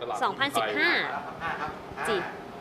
จี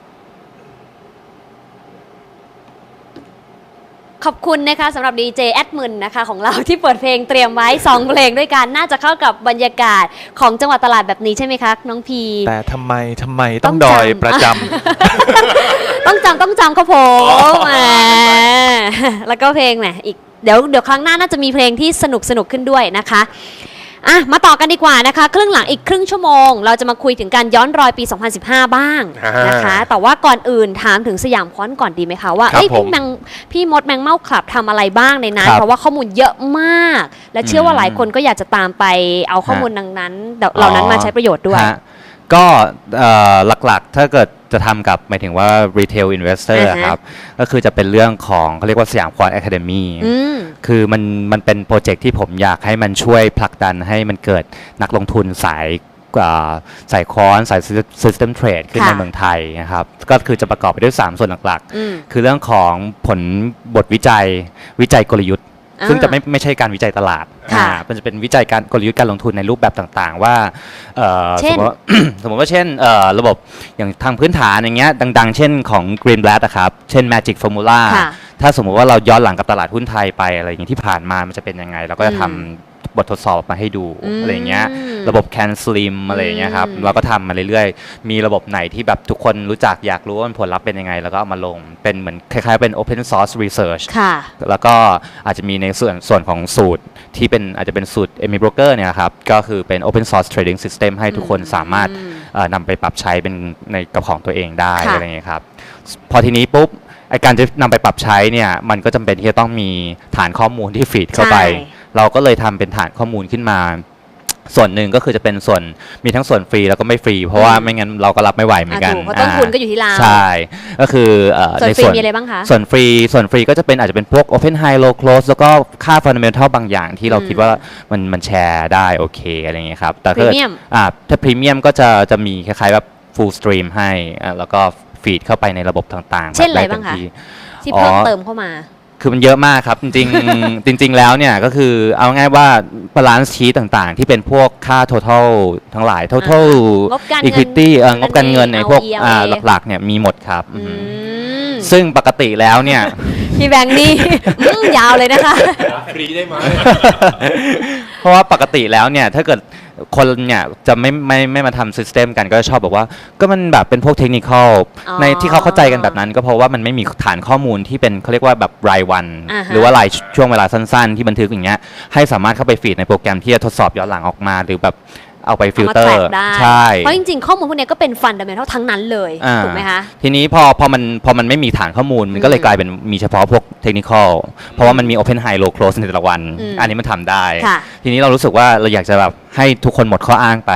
ขอบคุณนะคะสำหรับดีเจแอดมินนะคะของเราที่เปิดเพลงเตรียมไว้2เพลงด้วยกันน่าจะเข้ากับบรรยากาศของจังหวัดตลาดแบบนี้ใช่ไหมคะน้องพีแต่ทำไมต้องดอยประจำต้องจำครับผมแล้วก็เพลงแหมอีกเดี๋ยวครั้งหน้าน่าจะมีเพลงที่สนุกขึ้นด้วยนะคะมาต่อกันดีกว่านะคะครึ่งหลังอีกครึ่งชั่วโมงเราจะมาคุยถึงการย้อนรอยปี 2015 บ้างนะคะแต่ว่าก่อนอื่นถามถึงสยามคอนก่อนดีไหมคะว่าพี่มดแมงเม่าคลับทำอะไรบ้างในนั้นเพราะว่าข้อมูลเยอะมากและเชื่อว่าหลายคนก็อยากจะตามไปเอาข้อมูลดังนั้นเหล่านั้นมาใช้ประโยชน์ด้วยก็หลักๆถ้าเกิดจะทำกับหมายถึงว่า retail investor ครับก็คือจะเป็นเรื่องของเขาเรียกว่าสยามควอน Academy คือมันเป็นโปรเจกต์ที่ผมอยากให้มันช่วยผลักดันให้มันเกิดนักลงทุนสายควอนสาย system trade ขึ้นในเมืองไทยนะครับก็คือจะประกอบไปด้วย3ส่วนหลักๆคือเรื่องของผลบทวิจัยกลยุทธ์ซึ่งจะไม่ใช่การวิจัยตลาดมันจะเป็นวิจัยการกลยุทธ์การลงทุนในรูปแบบต่างๆว่าสมมติว่าเช่นระบบอย่างทางพื้นฐานอย่างเงี้ยดังๆเช่นของ Greenblatt นะครับเช่น Magic Formula ถ้าสมมุติว่าเราย้อนหลังกับตลาดหุ้นไทยไปอะไรอย่างนี้ที่ผ่านมามันจะเป็นยังไงเราก็จะทำบททดสอบมาให้ดูอะไรอย่างเงี้ยระบบ Can Slim อะไรอย่างเงี้ยครับเราก็ทำมาเรื่อยๆมีระบบไหนที่แบบทุกคนรู้จักอยากรู้ว่าผลลัพธ์เป็นยังไงแล้วก็เอามาลงเป็นเหมือนคล้ายๆเป็น Open Source Research แล้วก็อาจจะมีในส่วนของสูตรที่เป็นอาจจะเป็นสูตร Emi Broker เนี่ยครับก็คือเป็น Open Source Trading System ให้ทุกคนสามารถนำไปปรับใช้เป็นในกระของตัวเองได้อะไรอย่างเงี้ยครับพอทีนี้ปุ๊บการจะนำไปปรับใช้เนี่ยมันก็จำเป็นที่จะต้องมีฐานข้อมูลที่ฟีดเข้าไปเราก็เลยทำเป็นฐานข้อมูลขึ้นมาส่วนหนึ่งก็คือจะเป็นส่วนมีทั้งส่วนฟรีแล้วก็ไม่ฟรีเพราะว่าไม่งั้นเราก็รับไม่ไหวเหมือนกันเพราะต้นทุนก็อยู่ที่เราใช่ก็คือในส่วนมีอะไรบ้างคะส่วนฟรีก็จะเป็นอาจจะเป็นพวก Open High Low Close แล้วก็ค่า Fundamental บางอย่างที่เราคิดว่ามันแชร์ได้โอเคอะไรอย่างเงี้ยครับแต่ถ้าพรีเมียมก็จะมีคล้ายๆแบบ Full Stream ให้แล้วก็ฟีดเข้าไปในระบบต่างๆเช่นอะไรบ้างคะที่เพิ่มเติมเข้ามาคือมันเยอะมากครับจริงๆแล้วเนี่ยก็คือเอาง่ายว่า balance sheet ต่างๆที่เป็นพวกค่า total ทั้งหลาย total equity งบการเงินในพวกหลักๆเนี่ยมีหมดครับซึ่งปกติแล้วเนี่ยพี่แบงค์นี่ยาวเลยนะคะฟรีได้ไหมเพราะว่าปกติแล้วเนี่ยถ้าเกิดคนเนี่ยจะไม่มาทำซิสเต็มกันก็ชอบบอกว่าก็มันแบบเป็นพวกเทคนิคในที่เขาเข้าใจกันแบบนั้นก็เพราะว่ามันไม่มีฐานข้อมูลที่เป็นเขาเรียกว่าแบบรายวันหรือว่ารายช่วงเวลาสั้นๆที่บันทึกอย่างเงี้ยให้สามารถเข้าไปฟีดในโปรแกรมที่จะทดสอบย้อนหลังออกมาหรือแบบเอาไปฟิลเตอร์ใช่เพราะจริงๆข้อมูลพวกนี้ก็เป็นฟันดัมเมนทัลทั้งนั้นเลยถูกไหมคะทีนี้พอมันไม่มีฐานข้อมูลมันก็เลยกลายเป็นมีเฉพาะพวกเทคนิคเพราะว่ามันมี Open High Low Close ในแต่ละวันอันนี้มันทำได้ทีนี้เรารู้สึกว่าเราอยากจะแบบให้ทุกคนหมดข้ออ้างไป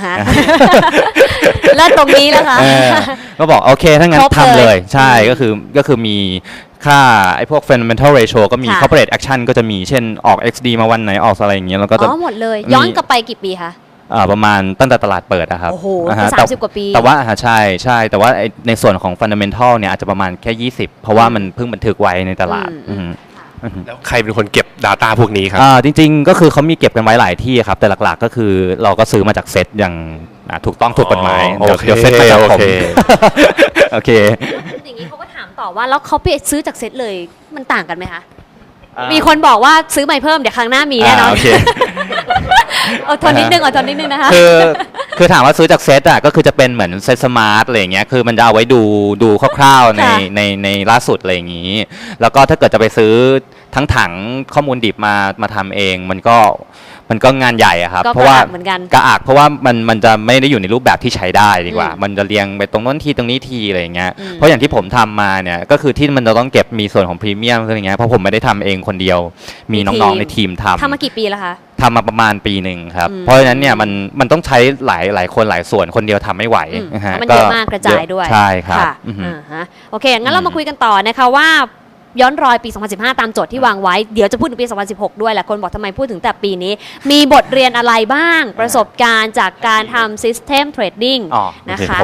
แล้วตรงนี้แล้วคะก็บอกโอเคถ้างั้นทำเลยใช่ก็คือมีค่าไอ้พวก fundamental ratio ก็มี corporate action ก็จะมีเช่นออก XD มาวันไหนออกอะไรอย่างเงี้ยแล้วก็จะหมดเลยย้อนกลับไปกี่ปีคะประมาณตั้งแต่ตลาดเปิดนะครับโอ้โห30 กว่าปีแต่ว่าใช่แต่ว่าในส่วนของ fundamental เนี่ยอาจจะประมาณแค่20เพราะว่ามันเพิ่งบันทึกไว้ในตลาดแล้วใครเป็นคนเก็บ Data พวกนี้ครับจริงๆก็คือเขามีเก็บกันไว้หลายที่ครับแต่หลักๆก็คือเราก็ซื้อมาจากเซตอย่างถูกต้องถูกกฎหมายเดี๋ยวเซตมาจากผมโอเคอย่างนี้เขาก็ถามต่อว่าแล้วเขาไปซื้อจากเซตเลยมันต่างกันไหมคะมีคนบอกว่าซื้อใหม่เพิ่มเดี๋ยวครั้งหน้ามีแน่นอนอดทนนิดนึงนะคะคือถามว่าซื้อจากเซตก็คือจะเป็นเหมือนเซตสมาร์ทอะไรอย่างเงี้ยคือมันจะเอาไว้ดูคร่าวๆในล่าสุดอะไรอย่างงี้แล้วก็ถ้าเกิดจะไปซื้อทั้งถังข้อมูลดิบมาทำเองมันก็งานใหญ่อะครับเพราะว่ากระอักเพราะว่ามันจะไม่ได้อยู่ในรูปแบบที่ใช้ได้ดีกว่ามันจะเรียงไปตรงนั้นทีตรงนี้ทีอะไรอย่างเงี้ยเพราะอย่างที่ผมทำมาเนี่ยก็คือที่มันจะต้องเก็บมีส่วนของพรีเมียมอะไรอย่างเงี้ยเพราะผมไม่ได้ทำเองคนเดียวมีน้องๆในทีมทำมากี่ปีแล้วคะทำมาประมาณปีหนึ่งครับเพราะฉะนั้นเนี่ยมันต้องใช้หลายคนหลายส่วนคนเดียวทำไม่ไหวมันเยอะมากกระจายด้วยใช่ครับโอเคงั้นเรามาคุยกันต่อนะคะว่าย้อนรอยปี 2015 ตามโจทย์ที่วางไว้เดี๋ยวจะพูดถึงปี 2016 ด้วยแหละคนบอกทำไมพูดถึงแต่ปีนี้มีบทเรียนอะไรบ้างประสบการณ์จากการทำ System Trading นะคะ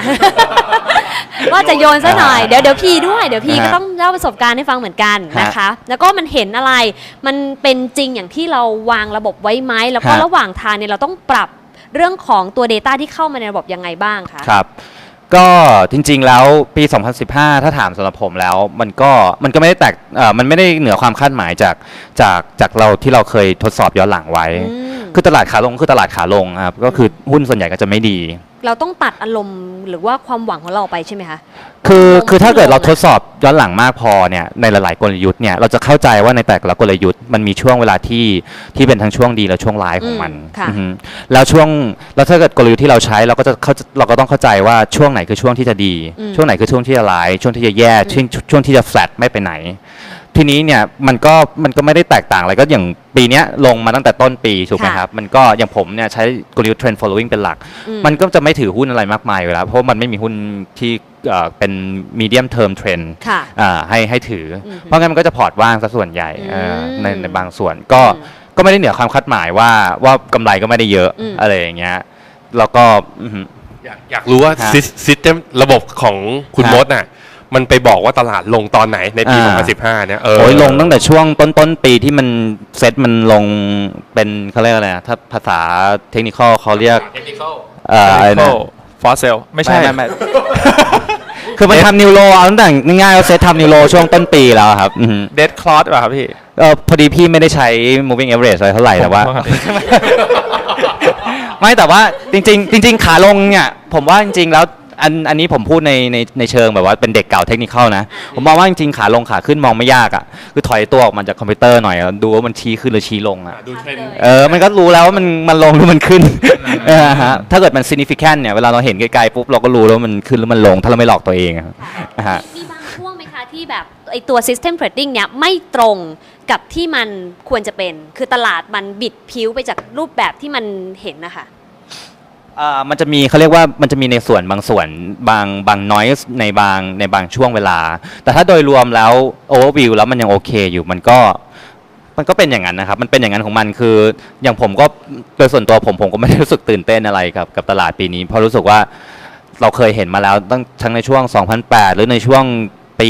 ว่าจะโยนซะหน่อยเดี๋ยวพีด้วยเดี๋ยวพีก็ต้องเล่าประสบการณ์ให้ฟังเหมือนกันนะคะแล้วก็มันเห็นอะไรมันเป็นจริงอย่างที่เราวางระบบไว้ไหมแล้วก็ระหว่างทางเนี่ยเราต้องปรับเรื่องของตัว Data ที่เข้ามาในระบบยังไงบ้างคะครับ ก็จริงๆแล้วปี 2015 ถ้าถามสำหรับผมแล้วมันก็ไม่ได้แตกมันไม่ได้เหนือความคาดหมายจากเราที่เราเคยทดสอบย้อนหลังไว้ คือตลาดขาลงคือตลาดขาลงครับก็คือหุ้นส่วนใหญ่ก็จะไม่ดีเราต้องตัดอารมณ์หรือว่าความหวังของเราไปใช่ไหมคะคือถ้าเกิดเราทดสอบย้อนหลังมากพอเนี่ยในหลายๆกลยุทธ์เนี่ยเราจะเข้าใจว่าในแต่ละกลยุทธ์มันมีช่วงเวลาที่เป็นทั้งช่วงดีและช่วงร้ายของมันค่ะอือฮึแล้วถ้าเกิดกลยุทธ์ที่เราใช้เราก็ต้องเข้าใจว่าช่วงไหนคือช่วงที่จะดี ช่วงไหนคือช่วงที่จะร้ายช่วงที่จะแย่ช่วงที่จะ flat ไม่ไปไหน ทีนี้เนี่ยมันก็ไม่ได้แตกต่างอะไรก็อย่างปีเนี้ยลงมาตั้งแต่ต้นปีถูกไหมครับมันก็อย่างผมเนี่ยใช้กลยุทธ์ trend following เป็นหลัก มันก็จะไม่ถือหุ้นอะไรมากมายอยู่แล้วเพราะมันไม่มีหุ้นที่เป็น medium term trend ค่ะให้ถือเพราะงั้นมันก็จะพอร์ตว่างซะส่วนใหญ่ในบางส่วนก็ไม่ได้เหนือความคาดหมายว่ากำไรก็ไม่ได้เยอะอะไรอย่างเงี้ยแล้วก็อยากรู้ว่าฮะซิสเต็มระบบของคุณฮะมดน่ะมันไปบอกว่าตลาดลงตอนไหนในปี 2015 เนี่ยโอ้ยลงตั้งแต่ช่วงต้นปีที่มันเซ็ตมันลงเป็นเขาเรียกอะไรนะถ้าภาษาเทคนิคเขาเรียก technical อะไรนะฟอสเซลไม่ใช่ไม่คือมันทำนิวโรเอาตั้งแต่ง่ายๆเราเซตทำนิวโรช่วงต้นปีแล้วครับอือฮึเดดคลอสป่ะครับพี่พอดีพี่ไม่ได้ใช้ moving average อะไรเท่าไหร่แต่ว่า ไม่แต่ว่าจริงขาลงเนี่ยผมว่าจริงๆแล้วอันนี้ผมพูดในเชิงแบบว่าเป็นเด็กเก่าเทคนิคนะผมมองว่าจริงๆขาลงขาขึ้นมองไม่ยากอ่ะคือถอยตัวออกมาจากคอมพิวเตอร์หน่อยแล้วดูว่ามันชี้ขึ้นหรือชี้ลงอ่ะดูเทรนด์มันก็รู้แล้วว่ามันลงหรือมันขึ้นฮะถ้าเกิดมัน significant เนี่ยเวลาเราเห็นไกลๆปุ๊บเราก็รู้แล้วว่ามันขึ้นหรือมันลงถ้าเราไม่หลอกตัวเองอะฮะมีบางช่วงไหมคะที่แบบไอตัว system trading เนี่ยไม่ตรงกับที่มันควรจะเป็นคือตลาดมันบิดผิวไปจากรูปแบบที่มันเห็นนะคะมันจะมีเขาเรียกว่ามันจะมีในส่วนบางส่วนบาง noise ในบางช่วงเวลา แต่ถ้าโดยรวมแล้ว overview แล้วมันยังโอเคอยู่มันก็เป็นอย่างนั้นนะครับมันเป็นอย่างนั้นของมันคืออย่างผมก็โดยส่วนตัวผมก็ไม่ได้รู้สึกตื่นเต้นอะไรกับตลาดปีนี้เพราะรู้สึกว่าเราเคยเห็นมาแล้วตั้งทั้งในช่วง 2008 หรือในช่วงปี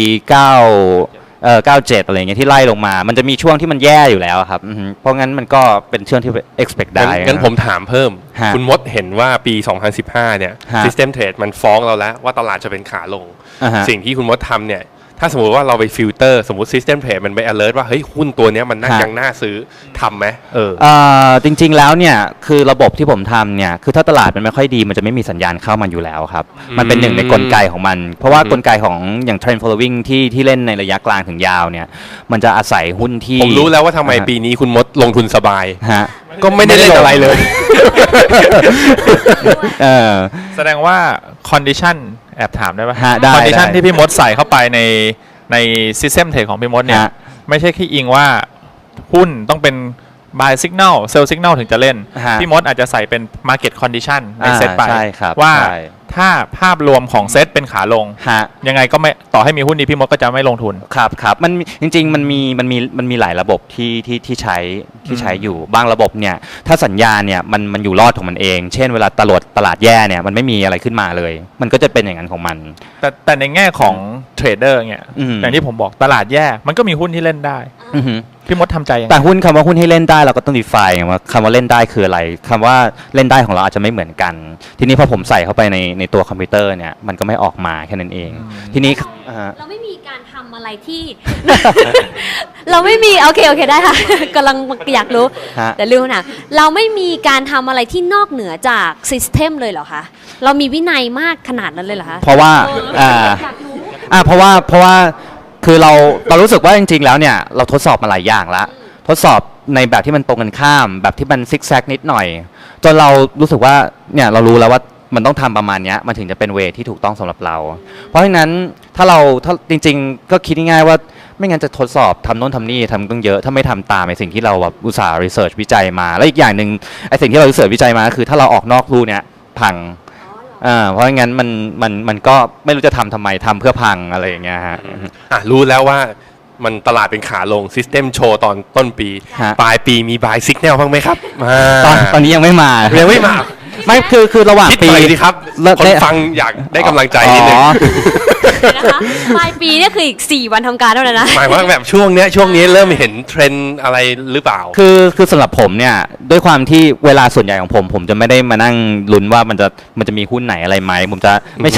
97 อะไรเงี้ยที่ไล่ลงมา มันจะมีช่วงที่มันแย่อยู่แล้วครับอือฮึเพราะงั้นมันก็เป็นช่วงที่ expect ได้งั้นผมถามเพิ่มฮะคุณมดเห็นว่าปี 2015 เนี่ยฮะ System Trade มันฟ้องเราแล้วว่าตลาดจะเป็นขาลงอ่าฮะสิ่งที่คุณมดทำเนี่ย ถ้าสมมติว่าเราไปฟิลเตอร์สมมติ System Trade มันไป alert ว่าเฮ้ยหุ้นตัวเนี้ยมันน่าฮะยังน่าซื้อทำไหมจริงๆแล้วเนี่ยคือระบบที่ผมทำเนี่ยคือถ้าตลาดมันไม่ค่อยดีมันจะไม่มีสัญญาณเข้ามาอยู่แล้วครับมันเป็นหนึ่งในกลไกของมัน เพราะว่ากลไกของอย่าง trend following ที่เล่นในระยะกลางถึงยาวเนี่ยมันจะอาศัยหุ้นที่ผมรู้แล้วว่าทำไมอ่าปีนี้คุณมดลงทุนสบายฮะก็ไม่ได้เล่นอะไรเลยเออแสดงว่าคอนดิชันแอบถามได้ป่ะฮะได้คอนดิชันได้ที่พี่มดใส่เข้าไปในซิสเต็มเทรดของพี่มดเนี่ยฮะไม่ใช่แค่อิงว่าหุ้นต้องเป็น buy signal sell signal ถึงจะเล่นฮะพี่มดอาจจะใส่เป็น market condition ในเซตไปใช่ครับว่าใช่ถ้าภาพรวมของเซตเป็นขาลงฮะยังไงก็ไม่ต่อให้มีหุ้นดีพี่มดก็จะไม่ลงทุนครับมันจริงๆมันมีหลายระบบที่ใช้อยู่บางระบบเนี่ยถ้าสัญญาณเนี่ยมันอยู่รอดของมันเอง เช่นเวลาตลาดแย่เนี่ยมันไม่มีอะไรขึ้นมาเลย มันก็จะเป็นอย่างนั้นของมันแต่ในแง่ของเทรดเดอร์เนี่ยอืมอย่างที่ผมบอกตลาดแย่มันก็มีหุ้นที่เล่นได้อือฮึพี่มดทำใจยังไงแต่คำว่าหุ้นให้เล่นได้เราก็ต้อง define ว่าคำว่าเล่นได้คืออะไรคำว่าเล่นได้ของเราอาจจะไม่เหมือนกัน ทีนี้พอผมใส่เข้าไปในตัวคอมพิวเตอร์เนี่ยมันก็ไม่ออกมาแค่นั้นเอง ทีนี้เราไม่มีการทำอะไรที่ เราไม่มีโอเคได้ค่ะ กำลังอยากรู้ฮะแต่ลืมนะเราไม่มีการทำอะไรที่นอกเหนือจากซิสเต็มเลยเหรอคะเรามีวินัยมากขนาดนั้นเลยเหรอคะเพราะว่าอยากรู้เพราะว่าคือเรารู้สึกว่าจริงๆแล้วเนี่ยเราทดสอบมาหลายอย่างแล้วทดสอบในแบบที่มันตรงกันข้าม แบบที่มันซิกแซกนิดหน่อยจนเรารู้สึกว่าเนี่ยเรารู้แล้วว่ามันต้องทำประมาณเนี้ยมันถึงจะเป็นเวที่ถูกต้องสำหรับเรา เพราะฉะนั้นถ้าจริงๆก็คิดง่ายๆว่าไม่งั้นจะทดสอบทำโน่นทำนี่ทำต้องเยอะถ้าไม่ทำตามในสิ่งที่เราแบบอุตส่าห์รีเสิร์ชวิจัยมาแล้วอีกอย่างหนึ่งไอ้สิ่งที่เรารีเสิร์ชวิจัยมาคือถ้าเราออกนอกรูเนี่ยพังเพราะงั้นมันก็ไม่รู้จะทำไมทำเพื่อพังอะไรอย่างเงี้ยฮะรู้แล้วว่ามันตลาดเป็นขาลง System โชว์ตอนต้นปีฮะปลายปีมี buy signal บ้างไหมครับตอนนี้ยังไม่มายังไม่มาไม่คือระหว่างคิดปีหน่อยสิครับแล้วคนฟังอยากได้กำลังใจนิดนึงอ๋อนะคะปลายปีเนี่ยคืออีก4วันทำการเท่านั้นนะหมายว่าแบบช่วงนี้เริ่มเห็นเทรนด์อะไรหรือเปล่าคือสำหรับผมเนี่ยด้วยความที่เวลาส่วนใหญ่ของผมจะไม่ได้มานั่งลุ้นว่ามันจะมีหุ้นไหนอะไรไหมผมจะไม่ใช่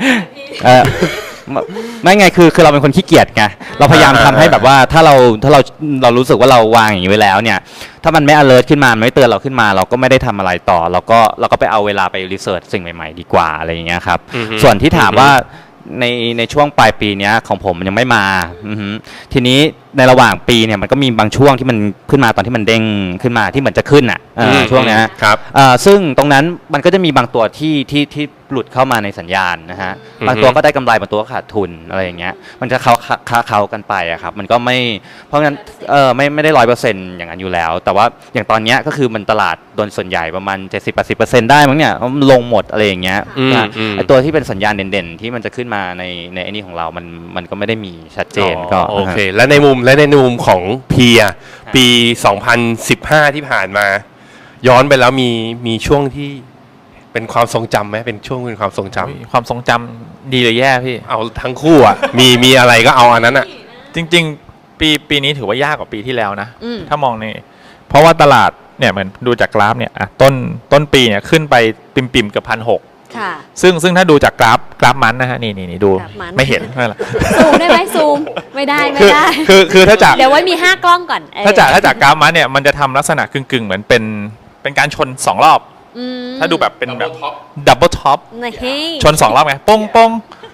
ไม่ไงคือเราเป็นคนขี้เกียจไงเราพยายามทำให้แบบว่าถ้าเรารู้สึกว่าเราวางอย่างนี้ไว้แล้วเนี่ยถ้ามันไม่ alert ขึ้นมามันไม่เตือนเราขึ้นมา เราก็ไม่ได้ทำอะไรต่อเราก็ไปเอาเวลาไปรีเสิร์ชสิ่งใหม่ๆดีกว่าอะไรอย่างเงี้ยครับอือฮึส่วนที่ถามว่าในช่วงปลายปีเนี้ยของผมมันยังไม่มาอือฮึทีนี้ในระหว่างปีเนี่ยมันก็มีบางช่วงที่มันขึ้นมาตอนที่มันเด้งขึ้นมาที่เหมือนจะขึ้นอ่ะช่วงเนี้ยครับซึ่งตรงนั้นมันก็จะมีบางตัวที่หลุดเข้ามาในสัญญาณนะฮะอือฮึบางตัวก็ได้กำไรบางตัวก็ขาดทุนอะไรอย่างเงี้ยมันจะเขากันไปอะครับมันก็ไม่เพราะงั้นไม่ได้100%อย่างนั้นอยู่แล้ว แต่ว่าอย่างตอนเนี้ยก็คือมันตลาดโดนส่วนใหญ่ประมาณ 70-80% ได้มั้งเนี่ยมันลงหมดอะไรอย่างเงี้ยไอตัวที่เป็นสัญญาณเด่นๆที่มันจะขึ้นมาในไอ้นี่ของเรามันก็ไม่ได้มีชัดเจนก็โอเค และในมุมของเพียปี 2015 ที่ผ่านมา ย้อนไปแล้วมีช่วงที่เป็นความทรงจำไหมเป็นช่วงเป็นความทรงจำความทรงจำดีหรือแย่พี่เอาทั้งคู่อ่ะ มีอะไรก็เอาอันนั้นอ่ะจริงๆปีนี้ถือว่ายากกว่าปีที่แล้วนะอืมถ้ามองในเพราะว่าตลาดเนี่ยเหมือนดูจากกราฟเนี่ยอ่ะต้นปีเนี่ยขึ้นไปปิ่มๆเกือบ1,600 ค่ะซึ่งถ้าดูจากกราฟมันนะฮะนี่ดูกราฟมันไม่เห็นไม่เป็นไรซูมได้ไหมซูมไม่ได้ไม่ได้คือถ้าจากเดี๋ยวไว้มี5กล้องก่อนเออถ้าจากกราฟมันเนี่ยมันจะทำลักษณะกึ่งๆเหมือนเป็นการชน2 รอบอืมถ้าดูแบบเป็นแบบดับเบิลท็อปนะเฮ้ยชน2 รอบไงป้ง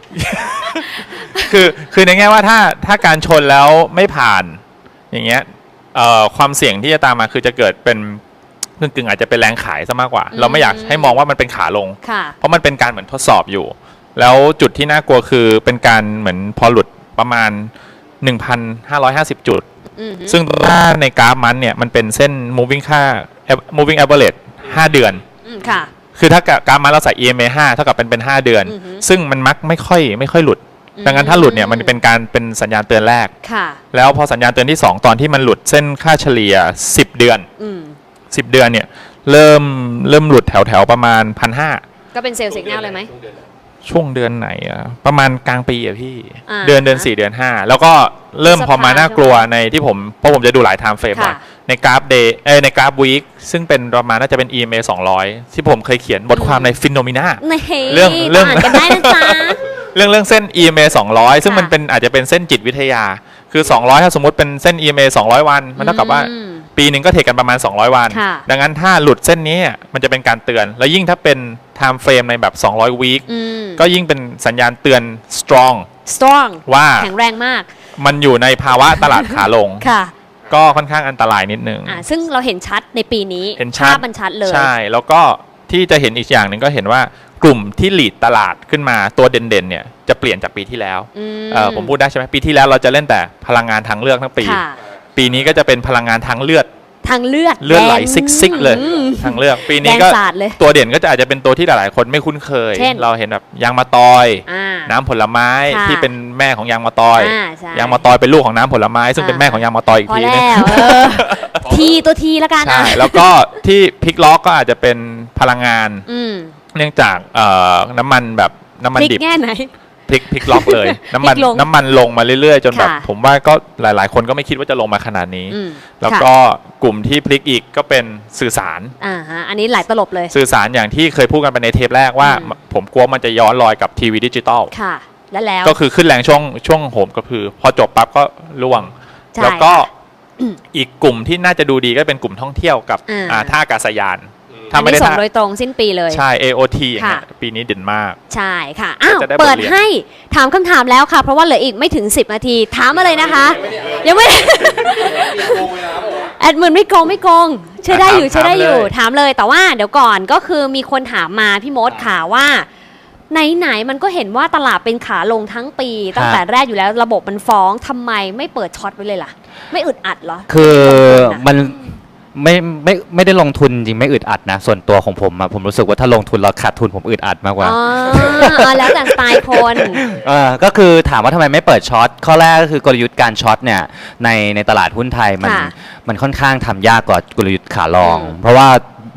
คือในแง่ว่าถ้าการชนแล้วไม่ผ่านอย่างเงี้ยความเสี่ยงที่จะตามมาคือจะเกิดเป็นกึ่งอาจจะเป็นแรงขายซะมากกว่า เราไม่อยากให้มองว่ามันเป็นขาลงค่ะเพราะมันเป็นการเหมือนทดสอบอยู่ แล้วจุดที่น่ากลัวคือเป็นการเหมือนพอหลุดประมาณ 1,550 จุดอืมซึ่งถ้าในกราฟมันเนี่ยมันเป็นเส้น moving average 5 เดือนค่ะคือถ้ากราฟมันเราใส่ EMA 5 เท่ากับเป็น5 เดือนอือฮึซึ่งมันมักไม่ค่อยหลุด ดังนั้นถ้าหลุดเนี่ยมันเป็นสัญญาณเตือนแรกค่ะแล้วพอสัญญาณเตือนที่ 2 ตอนที่มันหลุดเส้นค่าเฉลี่ย10 เดือนอืม 10 เดือนเนี่ยเริ่มหลุดแถวประมาณ 1,500 ก็เป็นเซลล์สิกแนลเลยไหมช่วงเดือนไหนอะประมาณกลางปีอะพี่อ่าเดือน4เดือน5แล้วก็เริ่มพฤษภาพอมาน่ากลัวในที่เพราะผมจะดูหลาย time frame หน่อยค่ะในกราฟในกราฟ week ซึ่งเป็นประมาณน่าจะเป็น EMA 200 ที่ผมเคยเขียนบทความใน Phenomena นะเฮ้ยเรื่องอ่านกันได้นะจ๊ะเรื่องเส้น EMA 200 ซึ่งค่ะมันเป็นอาจจะเป็นเส้นจิตวิทยา คือ 200 ถ้าสมมติเป็นเส้น EMA 200 วันมันเท่ากับว่าอืมปีหนึ่งก็เทรดกันประมาณ 200 วันค่ะดังนั้นถ้าหลุดเส้นนี้มันจะเป็นการเตือน แล้วยิ่งถ้าเป็น time frame ในแบบ 200 week อืมก็ยิ่งเป็นสัญญาณเตือน strong strong ว่าแข็งแรงมากมันอยู่ในภาวะตลาดขาลงค่ะก็ค่อนข้างอันตรายนิดนึงซึ่งเราเห็นชัดในปีนี้เห็นชัดภาพมันชัดเลยใช่ แล้วก็ที่จะเห็นอีกอย่างหนึ่งก็เห็นว่ากลุ่มที่ลีดตลาดขึ้นมาตัวเด่นๆเนี่ยจะเปลี่ยนจากปีที่แล้วอืมผมพูดได้ใช่ไหมปีที่แล้วเราจะเล่นแต่พลังงานทางเลือกทั้งปีค่ะปีนี้ก็จะเป็นพลังงานทางเลือดทางเลือดไหลแดงซิกๆเลยอืมทางเลือก ปีนี้ก็แดงสาดเลยตัวเด่นก็จะอาจจะเป็นตัวที่หลายๆคนไม่คุ้นเคยเช่นเราเห็นแบบยางมะตอยอ่าน้ำผลไม้ค่ะที่เป็นแม่ของยางมะตอยใช่ยางมะตอยเป็นลูกของน้ำผลไม้ ซึ่งเป็นแม่ของยางมะตอยอีกพอทีแล้นึงวทีตัวทีแล้วกันใช่อ่ะแล้วก็ที่พลิกล็อกก็อาจจะเป็นพลังงานอืมเนื่องจากน้ำมันแบบน้ำมันพลิกดิบแง่ไหนพลิกล็อกเลย น้ำมันพลิกลงน้ำมันลงมาเรื่อยๆ จนแบบค่ะผมว่าก็หลายๆ คนก็ไม่คิดว่าจะลงมาขนาดนี้อืมแล้วค่ะก็กลุ่มที่พลิกอีกก็เป็นสื่อสารฮะอันนี้หลายตลบเลยสื่อสารอย่างที่เคยพูดกันไปในเทปแรกว่าอืมผมกลัวมันจะย้อนรอยกับทีวีดิจิตอลค่ะ แล้วก็คือขึ้นแรงช่วงโหมก็คือพอจบปั๊บก็ร่วงใช่แล้วก็อีกกลุ่มที่น่าจะดูดีก็เป็นกลุ่มท่องเที่ยวกับอ่าท่าอากาศยานอัถ้าน ไม่นี้ได้ส่งท่าโดยตรงสิ้นปีเลยใช่ AOT อย่างเงี้ยค่ะปีนี้เด่นมากใช่ค่ะอ้าวจะได้บทเรียนเปิดให้ถามคำถามแล้วค่ะ เพราะว่าเหลืออีกไม่ถึง 10 นาที ถามมาเลยนะคะ ยังไม่ แอดมินไม่โกงใช่ได้อยู่ถามใช่ได้อยู่เลยถามเลยแต่ว่าเดี๋ยวก่อนก็คือมีคนถามมาพี่มดค่ะว่าไหนๆมันก็เห็นว่าตลาดเป็นขาลงทั้งปี ตั้งแต่แรกอยู่แล้วระบบมันฟ้องทำไมไม่เปิดช็อตไว้เลยล่ะ ไม่อึดอัดเหรอคือมันลงทุะไม่ได้ลงทุนจริงไม่อึดอัดนะ ส่วนตัวของผมอะผมรู้สึกว่าถ้าลงทุนเราขาดทุนผมอึดอัดมากกว่าอ๋อแล้วแต่สไตล์คนก็คือถามว่าทำไมไม่เปิดช็อตข้อแรกก็คือกลยุทธ์การช็อตเนี่ยในตลาดหุ้นไทยมันค่ะมันค่อนข้างทำยากกว่ากลยุทธ์ขาลองอืมเพราะว่า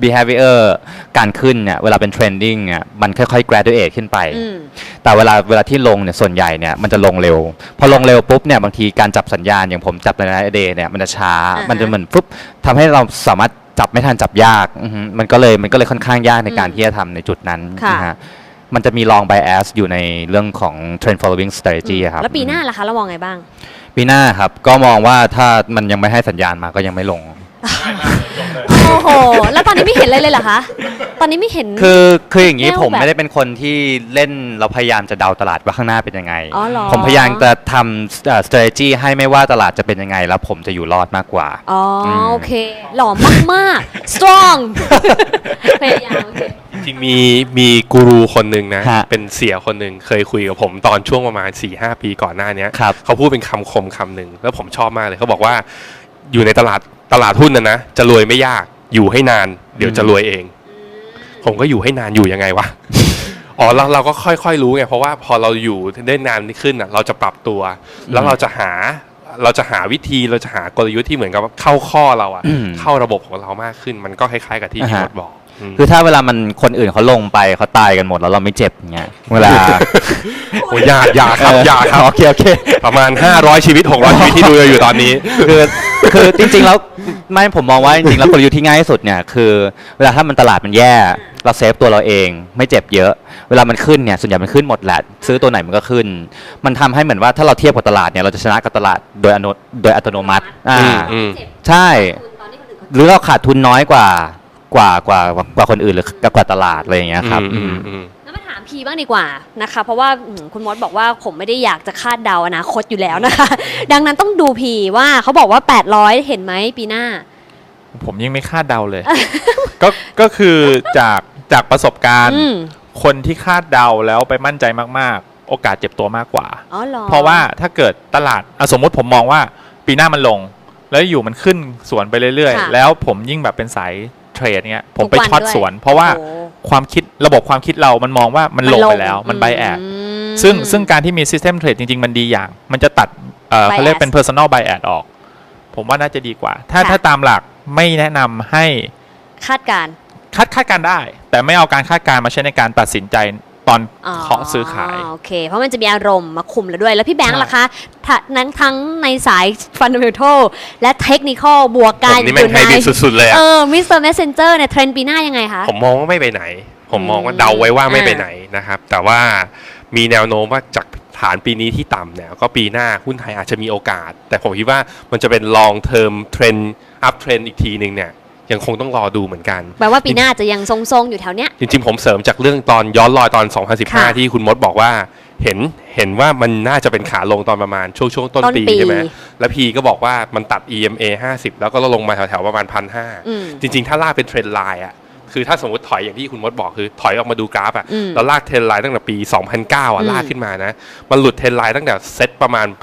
behavior การขึ้นเนี่ยเวลาเป็น trending เนี่ยมันค่อยๆ graduate ขึ้นไป แต่เวลาที่ลงเนี่ยส่วนใหญ่เนี่ยมันจะลงเร็ว พอลงเร็วปุ๊บเนี่ยบางทีการจับสัญญาณอย่างผมจับใน day เนี่ยมันจะช้า มันจะเหมือนปุ๊บทำให้เราสามารถจับไม่ทันจับยากมันก็เลยค่อนข้างยากในการที่จะทำในจุดนั้นนะฮะมันจะมี long bias อยู่ในเรื่องของ trend following strategy ครับแล้วปีหน้าล่ะคะเรามองไงบ้างปีหน้าครับก็มองว่าถ้ามันยังไม่ให้สัญญาณมาก็ยังไม่ลงโอ้โหแล้วตอนนี้ไม่เห็นอะไรเลยเหรอคะตอนนี้ไม่เห็นคืออย่างนี้ผมไม่ได้เป็นคนที่เล่นเราพยายามจะเดาตลาดว่าข้างหน้าเป็นยังไงผมพยายามจะทำ strategy ให้ไม่ว่าตลาดจะเป็นยังไงแล้วผมจะอยู่รอดมากกว่าอ๋อโอเคหล่อมากๆ strong พยายามจริงมีกูรูคนหนึ่งนะเป็นเสียคนหนึ่งเคยคุยกับผมตอนช่วงประมาณ 4-5 ปีก่อนหน้านี้เขาพูดเป็นคำคมคำหนึ่งแล้วผมชอบมากเลยเขาบอกว่าอยู่ในตลาดหุ้นนะจะรวยไม่ยากอยู่ให้นานเดี๋ยวจะรวยเองผมก็อยู่ให้นานอยู่ยังไงวะอ๋อเราก็ค่อยๆรู้ไงเพราะว่าพอเราอยู่ได้นานขึ้นเราจะปรับตัวแล้วเราจะหาวิธีเราจะหากลยุทธ์ที่เหมือนกับเข้าข้อเราเข้าระบบของเรามากขึ้นมันก็คล้ายๆกับที่พี่มดบอกคือถ้าเวลามันคนอื่นเขาลงไปเขาตายกันหมดแล้วเราไม่เจ็บเงี้ยเวลาโอ้ยอย่าครับโอเคประมาณ500ชีวิต600ชีวิตที่ดูอยู่ตอนนี้คือจริงๆแล้วไม่ผมมองว่าจริงๆแล้วกลยุทธ์ที่ง่ายที่สุดเนี่ยคือเวลาถ้ามันตลาดมันแย่เราเซฟตัวเราเองไม่เจ็บเยอะเวลามันขึ้นเนี่ยส่วนใหญ่มันขึ้นหมดแหละซื้อตัวไหนมันก็ขึ้นมันทำให้เหมือนว่าถ้าเราเทียบกับตลาดเนี่ยเราจะชนะกับตลาดโดยอัตโนมัติใช่หรือเราขาดทุนน้อยกว่าคนอื่นหรือกว่าตลาดอะไรอย่างเงี้ยครับแล้วมาถามพีบ้างดีกว่านะคะเพราะว่าคุณมดบอกว่าผมไม่ได้อยากจะคาดเดาอนาคตอยู่แล้วนะคะดังนั้นต้องดูพีว่าเขาบอกว่า800เห็นไหมปีหน้าผมยังไม่คาดเดาเลย ก็คือจากประสบการณ์คนที่คาดเดาแล้วไปมั่นใจมากๆโอกาสเจ็บตัวมากกว่าเพราะว่าถ้าเกิดตลาดสมมติผมมองว่าปีหน้ามันลงแล้วอยู่มันขึ้นสวนไปเรื่อยๆแล้วผมยิ่งแบบเป็นสายเทรดเนี้ยผมไปช็อตสวนเพราะว่าความคิดระบบความคิดเรามันมองว่ามันลงไปแล้วมันไบแอดซึ่งการที่มี system trade จริงๆมันดีอย่างมันจะตัดเขาเรียกเป็น personal bias ออกผมว่าน่าจะดีกว่าถ้าตามหลักไม่แนะนำให้คาดการได้แต่ไม่เอาการคาดการณ์มาใช้ในการตัดสินใจตอนเคาะซื้อขายโอเคเพราะมันจะมีอารมณ์มาคุมแล้วด้วยแล้วพี่แบงค์ล่ะคะทั้งในสาย fundamental และ technical บวกกันอยู่ในสุดๆเลย Mr. Messenger เนี่ยเทรนด์ปีหน้ายังไงคะผมมองว่าไม่ไปไหนผมมองว่าเดาไว้ว่าไม่ไปไหนนะครับแต่ว่ามีแนวโน้มว่าจากฐานปีนี้ที่ต่ำเนี่ยก็ปีหน้าหุ้นไทยอาจจะมีโอกาสแต่ผมคิดว่ามันจะเป็น long term trend up trend อีกทีนึงเนี่ยยังคงต้องรอดูเหมือนกันแปลว่าปีหน้าจะยังทรงๆอยู่แถวเนี้ยจริงๆผมเสริมจากเรื่องตอนย้อนรอยตอน2015ที่คุณมดบอกว่าเห็นว่ามันน่าจะเป็นขาลงตอนประมาณช่วงต้นปีใช่ไหมแล้วพีก็บอกว่ามันตัด EMA 50แล้วก็ลงมาแถวๆประมาณ 1,500 จริงๆถ้าลากเป็นเทรนด์ไลน์อะคือถ้าสมมติถอยอย่างที่คุณมดบอกคือถอยออกมาดูกราฟอะแล้วลากเทรนด์ไลน์ตั้งแต่ปี2009อะลากขึ้นมานะมันหลุดเทรนด์ไลน์ตั้งแต่เซตประมาณ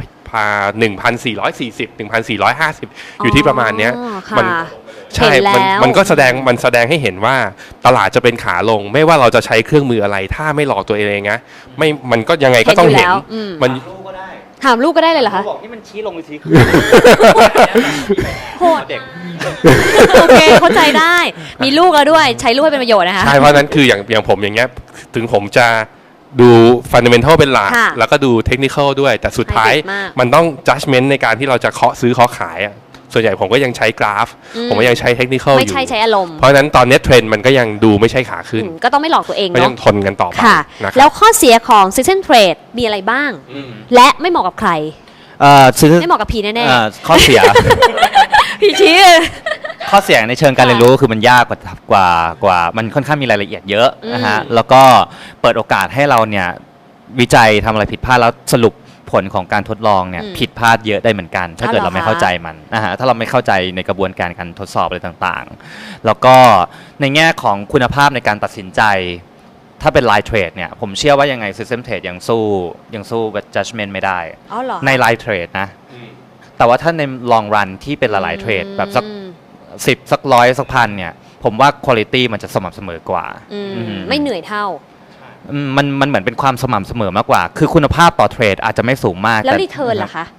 1,440 1,450อยู่ที่ประมาณเนี้ยมันใช่มันก็แสดงให้เห็นว่าตลาดจะเป็นขาลงไม่ว่าเราจะใช้เครื่องมืออะไรถ้าไม่หลอกตัวเองนะไม่มันก็ยังไงก็ต้องเห็นมันถามลูกก็ได้เลยเหรอคะบอกนี่มันชี้ลงหรือชี้ขึ้นโหดเด็กโอเคเข้าใจได้มีลูกแล้วด้วยใช้ลูกให้เป็นประโยชน์นะคะใช่เพราะนั้นคืออย่างผมอย่างเงี้ยถึงผมจะดูฟันเดเมนทัลเป็นหลักแล้วก็ดูเทคนิคอลด้วยแต่สุดท้ายมันต้อง judgment ในการที่เราจะเคาะซื้อเคาะขายส่วนใหญ่ผมก็ยังใช้กราฟผมก็ยังใช้เทคนิคอลอยู่ไม่ใช่ใช้อารมณ์เพราะฉะนั้นตอนนี้เทรนด์มันก็ยังดูไม่ใช่ขาขึ้นก็ต้องไม่หลอกตัวเองเนาะก็ยังทนกันต่อไปแล้วข้อเสียของ season trade มีอะไรบ้างและไม่เหมาะกับใครไม่เหมาะกับพีแน่ๆข้อเสียพีชี้ข้อเสียในเชิงการเรียนรู้คือมันยากกว่ามันค่อนข้างมีรายละเอียดเยอะนะฮะแล้วก็เปิดโอกาสให้เราเนี่ยวิจัยทำอะไรผิดพลาดแล้วสรุปผลของการทดลองเนี่ยผิดพลาดเยอะได้เหมือนกันถ้าเกิดเราไม่เข้าใจมันนะฮะถ้าเราไม่เข้าใจในกระบวนการการทดสอบอะไรต่างๆแล้วก็ในแง่ของคุณภาพในการตัดสินใจถ้าเป็น Line Trade เนี่ยผมเชื่อว่ายังไง System Trade ยังสู้ Judgment ไม่ได้ใน Line Trade นะแต่ว่าถ้าใน Long Run ที่เป็นหลายๆเทรดแบบสัก10สัก100สักพันเนี่ยผมว่า Quality มันจะสม่ำเสมอกว่าไม่เหนื่อยเท่ามันเหมือนเป็นความสม่ำเสมอมากกว่าคือคุณภาพต่อเทรดอาจจะไม่สูงมากแล้วรีเทิร์นล่ะคะ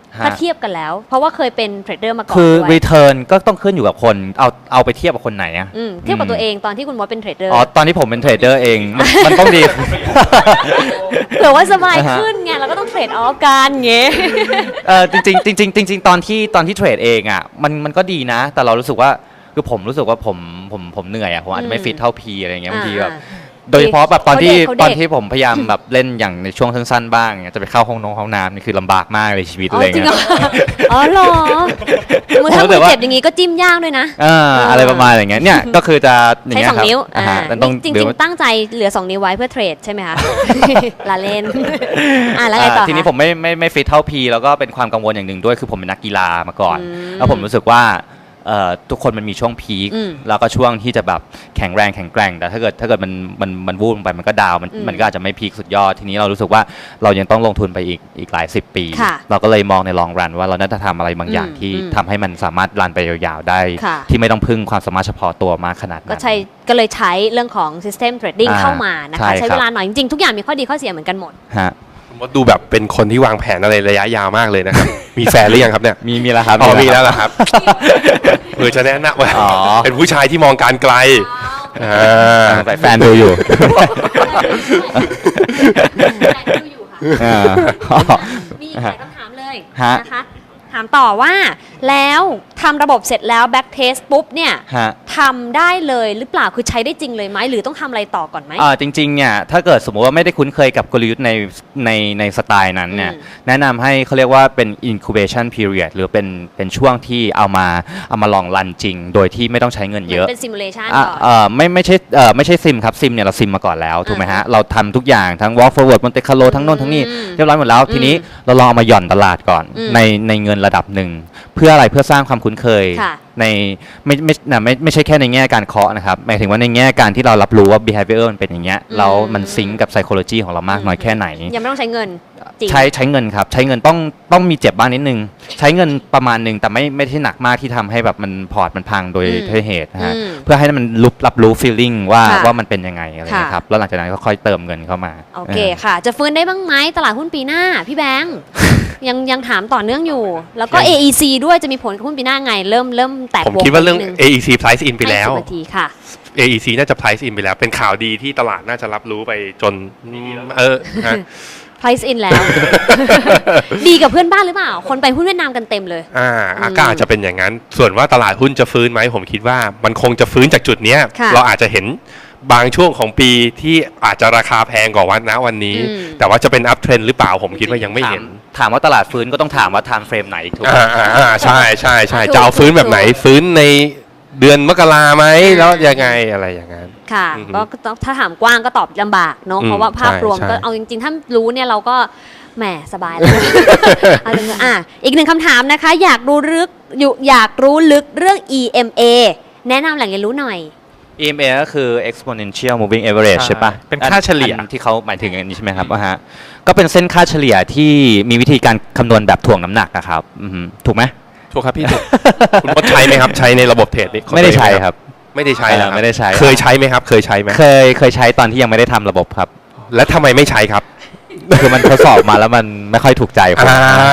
ถ้าเทียบกันแล้ว เพราะว่าเคยเป็นเทรดเดอร์มาก่อนคือด้วย return ก็ต้องขึ้นอยู่กับคนเอาไปเทียบกับคนไหนอะเทียบกับตัวเองตอนที่คุณมดเป็นเทรดเดอร์อ๋อตอนที่ผมเป็นเทรดเดอร์เองมันต้องดีเผื่อว่าสบายขึ้นไงเราก็ต้องเทรดออฟกันเงี้ยจริงตอนที่เทรดเองอะมันก็ดีนะ แต่เรารู้สึกว่าคือผมรู้สึกว่าผมเหนื่อยอะผมอาจจะไม่ฟิตเท่าพีอะไรเงี้ยบางทีแบบโดยเฉพาะแบบตอนที่ผมพยายามแบบเล่นอย่างในช่วงสั้นๆบ้างจะไปเข้าห้องน้ำนี่คือลำบากมากเลยชีวิตอะไรจริงเงี้เหรยอ๋อเหรอมือถ้ามือเจ็บอย่างงี้ก็จิ้มย่างด้วยนะอะไรประมาณอย่างเงี้ยเนี่ยก็คือจะอย่างใช้เงี้ยสองครับนิ้ว จริงๆๆตั้งใจเหลือ 2 นิ้วไว้เพื่อเทรดใช่ไหมคะ ลาเล่นแล้วไงต่อทีนี้ผมไม่ฟิตเท่าพีแล้วก็เป็นความกังวลอย่างหนึ่งด้วยคือผมเป็นนักกีฬามาก่อน แล้วผมรู้สึกว่าทุกคนมันมีช่วงพีคแล้วก็ช่วงที่จะแบบแข็งแรงแข็งแกร่งแต่ถ้าเกิดมันวูบลงไปมันก็ดาวมันก็อาจจะไม่พีคสุดยอดทีนี้เรารู้สึกว่าเรายังต้องลงทุนไปอีกหลาย10 ปี เราก็เลยมองในลองรันว่าเราน่าจะทำอะไรบางอย่างที่ทำให้มันสามารถรันไปยาวๆได้ที่ไม่ต้องพึ่งความสามารถเฉพาะตัวมากขนาดนั้นก็เลยใช้เรื่องของ System Trading เข้ามานะคะใช้เวลาหน่อยจริงๆทุกอย่างมีข้อดีข้อเสียเหมือนกันหมดมดดูแบบเป็นคนที่วางแผนอะไรระยะยาวมากเลยนะครับ มีแฟนหรือยังครับเนี่ยมีแล้วครับมีแล้วเหรอครับเพื่อจะแนะนำว่าเป็นผู้ชายที่มองการไกลแฟนดูอยู่มีอีกหลายคำถามเลยนะคะถามต่อว่าแล้วทำระบบเสร็จแล้วแบ็กเทสปุ๊บเนี่ยทำได้เลยหรือเปล่าคือใช้ได้จริงเลยไหมหรือต้องทำอะไรต่อก่อนไหมจริงๆเนี่ยถ้าเกิดสมมติว่าไม่ได้คุ้นเคยกับกลยุทธ์ในสไตล์นั้นเนี่ยแนะนำให้เขาเรียกว่าเป็น incubation period หรือเป็นช่วงที่เอามาลองรันจริงโดยที่ไม่ต้องใช้เงินเยอะเป็น simulation ก่อนไม่ใช่ซิมครับซิมเนี่ยเราซิมมาก่อนแล้วถูกไหมฮะเราทำทุกอย่างทั้ง walk forward Monte Carlo ทั้งโน่นทั้งนี่เรียบร้อยหมดแล้วทีนี้เราลองเอามาหย่อนตลาดก่อนในเงินระดับหนึ่งเพื่ออะไรเพื่อสร้างความคุ้นเคยในไม่ใช่แค่ในแง่การเคาะนะครับหมายถึงว่าในแง่การที่เรารับรู้ว่า behavior มันเป็นอย่างเงี้ยแล้วมันซิงก์กับ psychology ของเรามากน้อยแค่ไหนยังไม่ต้องใช้เงินใช้เงินครับใช้เงินต้องมีเจ็บบ้างนิดนึงใช้เงินประมาณหนึ่งแต่ไม่ใช่หนักมากที่ทำให้แบบมันพอร์ตมันพังโดยเหตุนะฮะเพื่อให้มันรับรู้ feeling ว่ามันเป็นยังไงอะไรนะครับแล้วหลังจากนั้นก็ค่อยเติมเงินเข้ามาโอเคค่ะจะฟื้นได้บ้างไหมตลาดหุ้นปีหน้าพี่แบงค์ยังถามต่อเนื่องอยู่แล้วก็ AEC ด้วยจะมีผลกับหุ้นปีหน้าไงเริ่มแตกผมคิดว่าเรื่อง AEC price in ไปแล้วค่ะ AEC น่าจะ price in ไปแล้วเป็นข่าวดีที่ตลาดน่าจะรับรู้ไปจน price in แล้ว ดีกับเพื่อนบ้านหรือเปล่าคนไปหุ้นเวียดนามกันเต็มเลยก็อาจจะเป็นอย่างนั้นส่วนว่าตลาดหุ้นจะฟื้นไหมผมคิดว่ามันคงจะฟื้นจากจุดนี้เราอาจจะเห็นบางช่วงของปีที่อาจจะราคาแพงกว่าวันนี้แต่ว่าจะเป็นอัพเทรนด์หรือเปล่าผมคิดว่ายังไม่เห็นถามว่าตลาดฟื้นก็ต้องถามว่า time frame ไหนถูกไหมใช่จะเอาฟื้นแบบไหนฟื้นในเดือนมกราไหมแล้วยังไงอะไรอย่างนั้นค่ะก็ถ้าถามกว้างก็ตอบลำบากเนาะเพราะว่าภาพรวมก็เอาจริงๆถ้ารู้เนี่ยเราก็แหมสบายแล้วอีกหนึ่งคำถามนะคะอยากรู้ลึกเรื่อง EMA แนะนำแหล่งเรียนรู้หน่อย EMA ก็คือ exponential moving average ใช่ปะเป็นค่าเฉลี่ยที่เขาหมายถึงอันนี้ใช่ไหมครับก็เป็นเส้นค่าเฉลี่ยที่มีวิธีการคำนวณแบบถ่วงน้ำหนักนะครับถูกไหมถูกครับพี่คุณมดใช้ไหมครับใช้ในระบบเทรดนี่ไม่ได้ใช้ครับไม่ได้ใช้ไม่ได้ใช้เคยใช้ไหมครับเคยใช้ไหมเคยใช้ตอนที่ยังไม่ได้ทำระบบครับและทำไมไม่ใช้ครับคือมันทดสอบมาแล้วมันไม่ค่อยถูกใจผม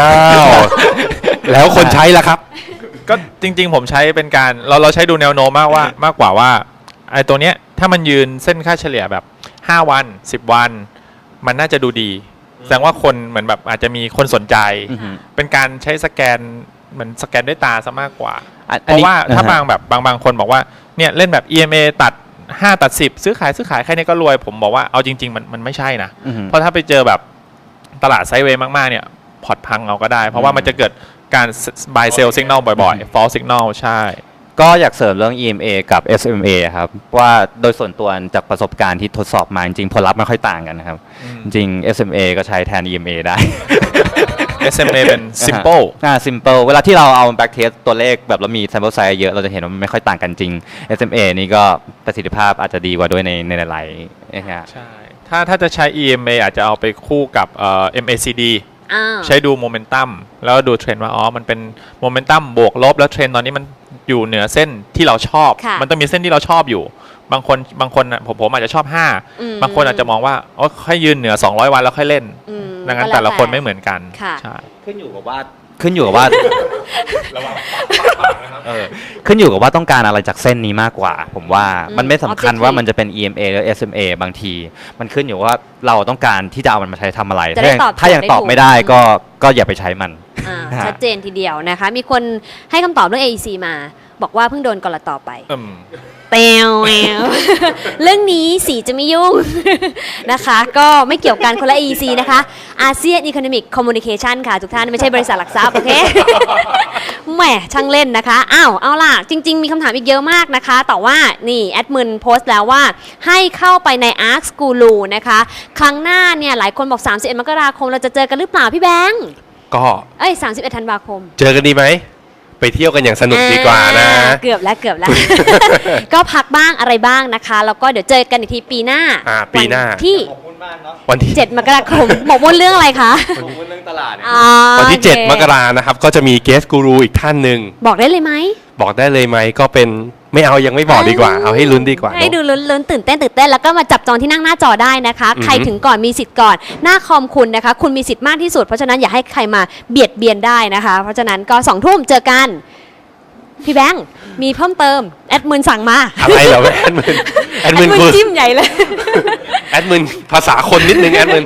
แล้วคนใช้ล่ะครับก็จริงๆผมใช้เป็นการเราใช้ดูแนวโน้มมากกว่าว่าไอ้ตัวเนี้ยถ้ามันยืนเส้นค่าเฉลี่ยแบบ5วัน10วันมันน่าจะดูดีแสดงว่าคนเหมือนแบบอาจจะมีคนสนใจเป็นการใช้สแกนเหมือนสแกนด้วยตาซะมากกว่าเพราะว่าถ้าบางคนบอกว่าเนี่ยเล่นแบบ EMA ตัด5ตัด10ซื้อขายแค่นี้ก็รวยผมบอกว่าเอาจริงๆมันไม่ใช่นะเพราะถ้าไปเจอแบบตลาดไซด์เวย์มากๆเนี่ยพอร์ตพังเอาก็ได้เพราะว่ามันจะเกิดการ buy sell signal บ่อยๆ false signal ใช่ก็อยากเสริมเรื่อง EMA กับ SMA ครับว่าโดยส่วนตัวจากประสบการณ์ที่ทดสอบมาจริงๆผลลัพธ์ไม่ค่อยต่างกันนะครับจริง SMA ก็ใช้แทน EMA ได้ SMA เป็น simple simple เวลาที่เราเอา back test ตัวเลขแบบเรามี sample size เยอะเราจะเห็นว่ามันไม่ค่อยต่างกันจริง SMA นี่ก็ประสิทธิภาพอาจจะดีกว่าด้วยในหลายๆใช่ถ้าจะใช้ EMA อาจจะเอาไปคู่กับ MACD ใช้ดูโมเมนตัมแล้วดูเทรนด์ว่ามันเป็นโมเมนตัมบวกลบแล้วเทรนด์ตอนนี้มันอยู่เหนือเส้นที่เราชอบมันต้องมีเส้นที่เราชอบอยู่บางคนผมอาจจะชอบ5บางคนอาจจะมองว่าค่อยยืนเหนือ200วันแล้วค่อยเล่นดังนั้นแต่ละคนไม่เหมือนกันใช่ขึ้นอยู่กับว่าขึ้นอยู่กับว่าขึ้นอยู่กับว่าต้องการอะไรจากเส้นนี้มากกว่า ผมว่ามันไม่สำคัญว่ามันจะเป็น EMA หรือ SMA บางที มันขึ้นอยู่ว่าเราต้องการที่จะเอามันมาใช้ทำอะไร ถ้ายังตอบไม่ได้ก็อย่าไปใช้มันชัดเจนทีเดียวนะคะ มีคนให้คำตอบเรื่อง AEC มา บอกว่าเพิ่งโดนกลตไปเตียวเรื่องนี้สีจะไม่ยุ่ง นะคะ ก็ไม่เกี่ยวกันคนละ AEC นะคะอาเซียน Economic Communication ค่ะทุกท่านไม่ใช่บริษัทหลักทรัพย์โอเค แหมช่างเล่นนะคะเอาล่ะจริงๆมีคำถามอีกเยอะมากนะคะแต่ว่านี่แอดมินโพสต์แล้วว่าให้เข้าไปใน Ask Guru นะคะครั้งหน้าเนี่ยหลายคนบอก31 มกราคมเราจะเจอกันหรือเปล่าพี่แบงค์ก็ 31 ธันวาคมเจอกันดีไหมไปเที่ยวกันอย่างสนุกดีกว่านะเกือบแล้ว ก็พักบ้างอะไรบ้างนะคะแล้วก็เดี๋ยวเจอกันอีกทีปีหน้าปีหน้าที่วันที่7 มกราคมหมกมุ่นเรื่องอะไรคะหมกมุ่นเรื่องตลาดวันที่7 มกรานะครับก็จะมีเกสกูรูอีกท่านหนึ่งบอกได้เลยไหมบอกได้เลยไหมก็เป็นไม่เอายังไม่บอกดีกว่าเอาให้ลุ้นดีกว่าให้ดูลุ้นตื่นเต้นแล้วก็มาจับจองที่นั่งหน้าจอได้นะคะใครถึงก่อนมีสิทธิ์ก่อนหน้าคอมคุณนะคะคุณมีสิทธิ์มากที่สุดเพราะฉะนั้นอย่าให้ใครมาเบียดเบียนได้นะคะเพราะฉะนั้นก็20 ทุ่มเจอกันพี่แบงค์มีเพิ่มเติมแอดมินสั่งมาอะไรเหรอแอดมินจิ้มใหญ่เลยแอดมินภาษาคนนิดนึงแอดมิน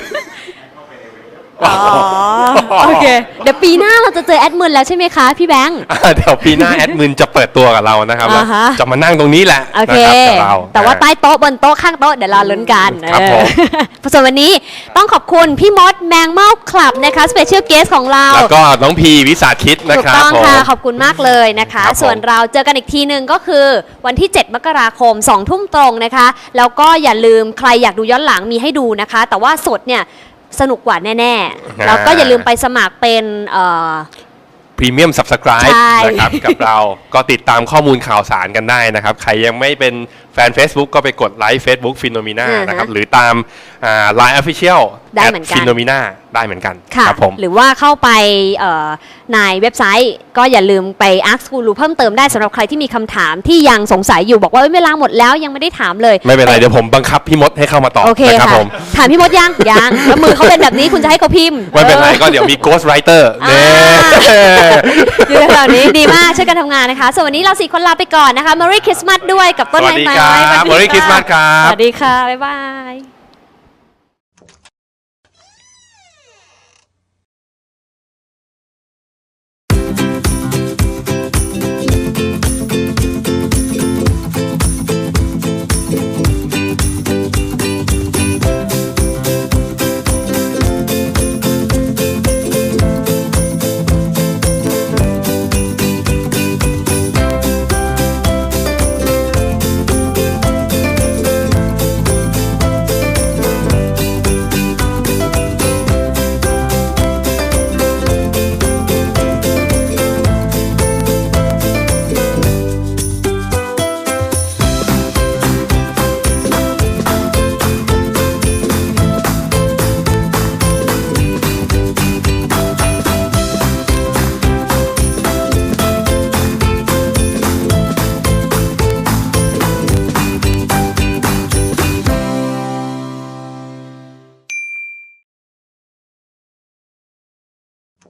โอเคเดี๋ยวปีหน้าเราจะเจอแอดมินแล้วใช่ไหมคะพี่แบงค์เดี๋ยวปีหน้าแอดมินจะเปิดตัวกับเรานะครับจะมานั่งตรงนี้แหละโอเคแต่ว่าใต้โต๊ะบนโต๊ะข้างโต๊ะเดี๋ยวรอลุ้นกันครับผมส่วนวันนี้ต้องขอบคุณพี่มดแมงเม่าคลับนะคะสเปเชียลเกสของเราแล้วก็น้องพีวิสาคิดนะครับถูกต้องค่ะขอบคุณมากเลยนะคะส่วนเราเจอกันอีกทีนึงก็คือวันที่7 มกราคม20 ทุ่มตรงนะคะแล้วก็อย่าลืมใครอยากดูย้อนหลังมีให้ดูนะคะแต่ว่าสดเนี่ยสนุกกว่าแน่ๆแล้วก็อย่าลืมไปสมัครเป็นพรีเมียม Subscribe นะครับกับเราก็ติดตามข้อมูลข่าวสารกันได้นะครับใครยังไม่เป็นแฟน Facebook ก็ไปกดไลค์ Facebook Phenomena นะครับหรือตามLine Official ได้เหมือนกัน Phenomena ได้เหมือนกันครับผมหรือว่าเข้าไปในเว็บไซต์ก็อย่าลืมไป Ask Guru เพิ่มเติมได้สำหรับใครที่มีคำถามที่ยังสงสัยอยู่บอกว่าเวลาหมดแล้วยังไม่ได้ถามเลยไม่เป็นไรเดี๋ยวผมบังคับพี่มดให้เข้ามาตอบนะครับผมถามพี่มดยังแล้วมือเขาเป็นแบบนี้คุณจะให้เขาพิมพ์ไม่เป็นไรก็เดี๋ยวมี Ghost Writer อยู่แบบนี้ดีมากช่วยกันทำงานนะคะส่วนวันนี้เรา4 คนลาไปก่อนนะคะ Merry Christmas ด้วยกับต้นไม้ Merry Christmas ครับสวัสดีค่ะบ๊ายบาย